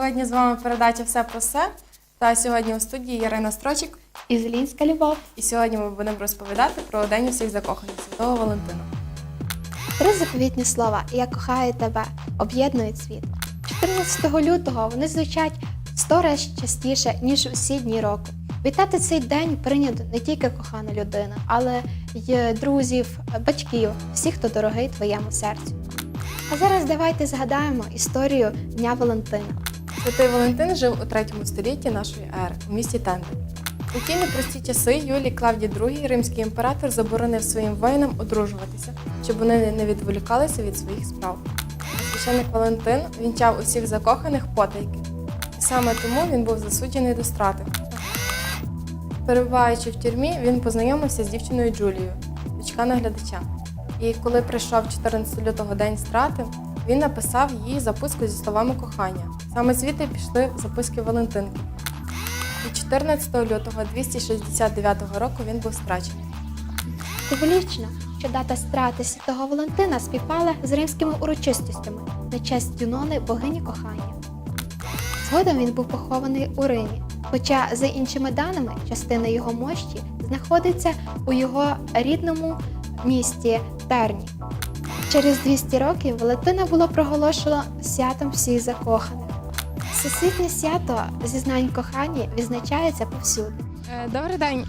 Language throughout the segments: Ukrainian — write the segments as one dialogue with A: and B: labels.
A: Сьогодні з вами передача «Все про все». Та сьогодні у студії Ярина Строчик.
B: І Зелінська Любов.
A: І сьогодні ми будемо розповідати про День усіх закоханих Святого Валентина.
B: Три заповітні слова «Я кохаю тебе» об'єднують світ. 14 лютого вони звучать 100 разів частіше, ніж усі дні року. Вітати цей день прийнято не тільки кохана людина, але й друзів, батьків, всіх, хто дорогий твоєму серцю. А зараз давайте згадаємо історію Дня Валентина.
A: Святий Валентин жив у 3 столітті нашої ери у місті Тенди. У ті непрості часи Юлій Клавдій II, римський імператор, заборонив своїм воїнам одружуватися, щоб вони не відволікалися від своїх справ. Священник Валентин вінчав усіх закоханих потайки. І саме тому він був засуджений до страти. Перебуваючи в тюрмі, він познайомився з дівчиною Джулією, дочка наглядача. І коли прийшов 14 лютого день страти, він написав їй записку зі словами кохання. Саме звідти пішли записки Валентинки. І 14 лютого 269 року він був страчений.
B: Символічно, що дата страти Святого Валентина співпала з римськими урочистостями на честь Юнони, богині кохання. Згодом він був похований у Римі, хоча, за іншими даними, частина його мощі знаходиться у його рідному місті Терні. Через 200 років Валентина було проголошено святом всіх закоханих. Всесвітнє свято зізнань кохання відзначається повсюди.
A: Добрий день.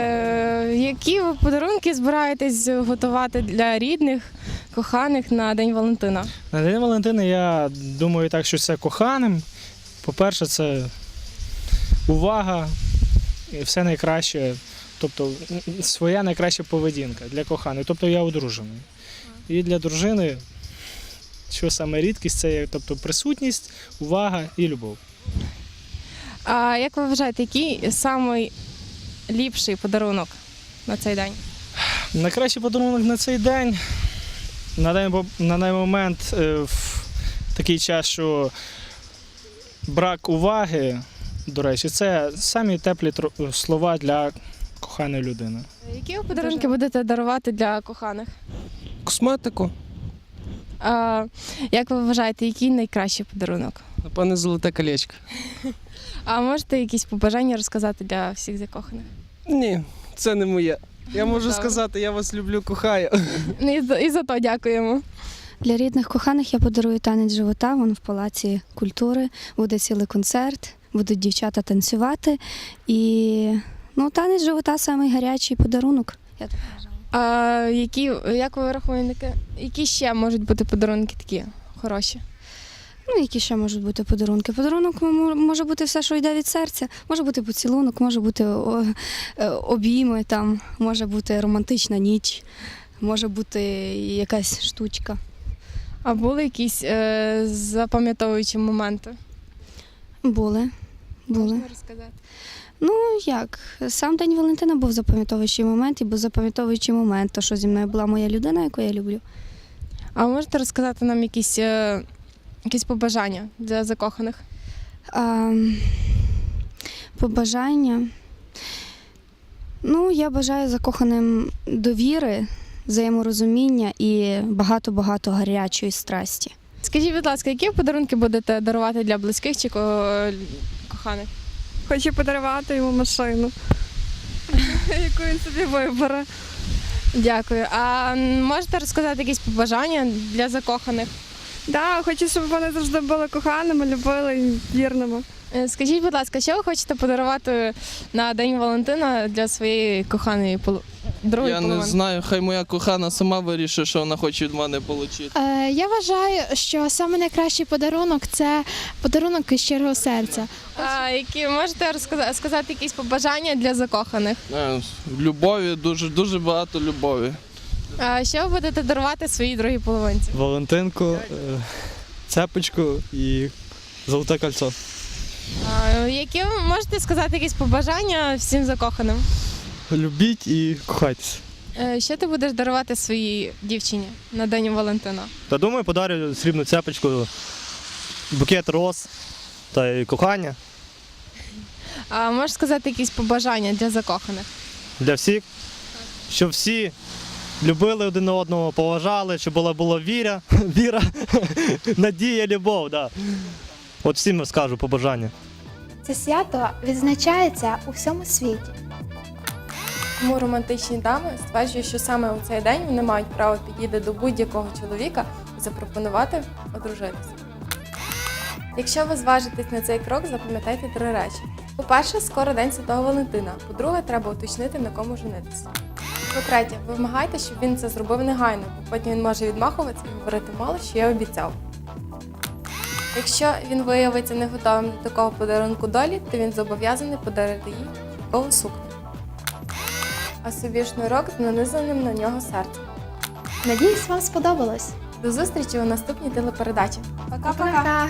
A: Які ви подарунки збираєтесь готувати для рідних, коханих на День Валентина?
C: На День Валентина я думаю так, що це коханим. По-перше, це увага і все найкраще, тобто своя найкраща поведінка для коханих. Тобто я одружений. І для дружини, що саме рідкість, це тобто присутність, увага і любов.
A: А як ви вважаєте, який найліпший подарунок на цей день?
C: Найкращий подарунок на цей день, на даний момент, в такий час, що брак уваги, до речі, це самі теплі слова для коханої людини.
A: Які ви подарунки будете дарувати для коханих?
D: Косметику.
A: А як ви вважаєте, який найкращий подарунок?
D: Напевне, золоте колечко.
A: А можете якісь побажання розказати для всіх закоханих?
D: Ні, це не моє. Я можу
A: Добре.
D: сказати, я вас люблю, кохаю.
A: І за то дякуємо.
E: Для рідних коханих я подарую танець живота, він в Палаці культури, буде цілий концерт, будуть дівчата танцювати. І танець живота – самий гарячий подарунок. Я так вважаю.
A: А як ви рахуєте, які ще можуть бути подарунки такі хороші?
E: Які ще можуть бути подарунки? Подарунок може бути все, що йде від серця. Може бути поцілунок, може бути обійми, там, може бути романтична ніч, може бути якась штучка.
A: А були якісь запам'ятовуючі моменти?
E: Були.
A: Можна розказати?
E: Як? Сам День Валентина був запам'ятовуючий момент, і був запам'ятовуючий момент, то, що зі мною була моя людина, яку я люблю.
A: А можете розказати нам якісь побажання для закоханих?
E: Побажання? Я бажаю закоханим довіри, взаєморозуміння і багато-багато гарячої страсті.
A: Скажіть, будь ласка, які подарунки будете дарувати для близьких чи коханих?
F: Хочу подарувати йому машину, яку він собі вибере.
A: Дякую. А можете розказати якісь побажання для закоханих?
F: Так, хочу, щоб вони завжди були коханими, любили і вірними.
A: Скажіть, будь ласка, що ви хочете подарувати на День Валентина для своєї коханої другої
D: Я
A: половинки?
D: не знаю, хай моя кохана сама вирішить, що вона хоче від мене отримати.
G: Я вважаю, що саме найкращий подарунок – це подарунок із щирого серця.
A: А які можете сказати якісь побажання для закоханих?
D: Любові, дуже багато любові.
A: А що ви будете дарувати своїй другій половинці?
H: Валентинку, цепочку і золоте кольцо.
A: Які ви можете сказати якісь побажання всім закоханим?
H: Любіть і кохайтесь.
A: Що ти будеш дарувати своїй дівчині на День Валентина?
H: Та думаю, подарю срібну цепочку, букет роз та й кохання
A: А можеш сказати якісь побажання для закоханих?
H: для всіх, щоб всі любили один одного, поважали, щоб була віра, надія, любов. Да. От всім скажу побажання.
B: Це свято відзначається у всьому світі.
A: Тому романтичні дами стверджують, що саме у цей день вони мають право підійти до будь-якого чоловіка і запропонувати одружитися. Якщо ви зважитесь на цей крок, запам'ятайте 3 речі. По-перше, скоро День Святого Валентина. По-друге, треба уточнити, на кому женитися. По-третє, вимагайте, щоб він це зробив негайно, бо потім він може відмахуватися і говорити мало, що я обіцяв. Якщо він виявиться не готовим до такого подарунку долі, то він зобов'язаний подарити їй шовкову сукню. А собі шнурок з нанизаним на нього серцем.
B: Надіюсь, вам сподобалось.
A: До зустрічі у наступній телепередачі. Пока-пока!
B: Пока!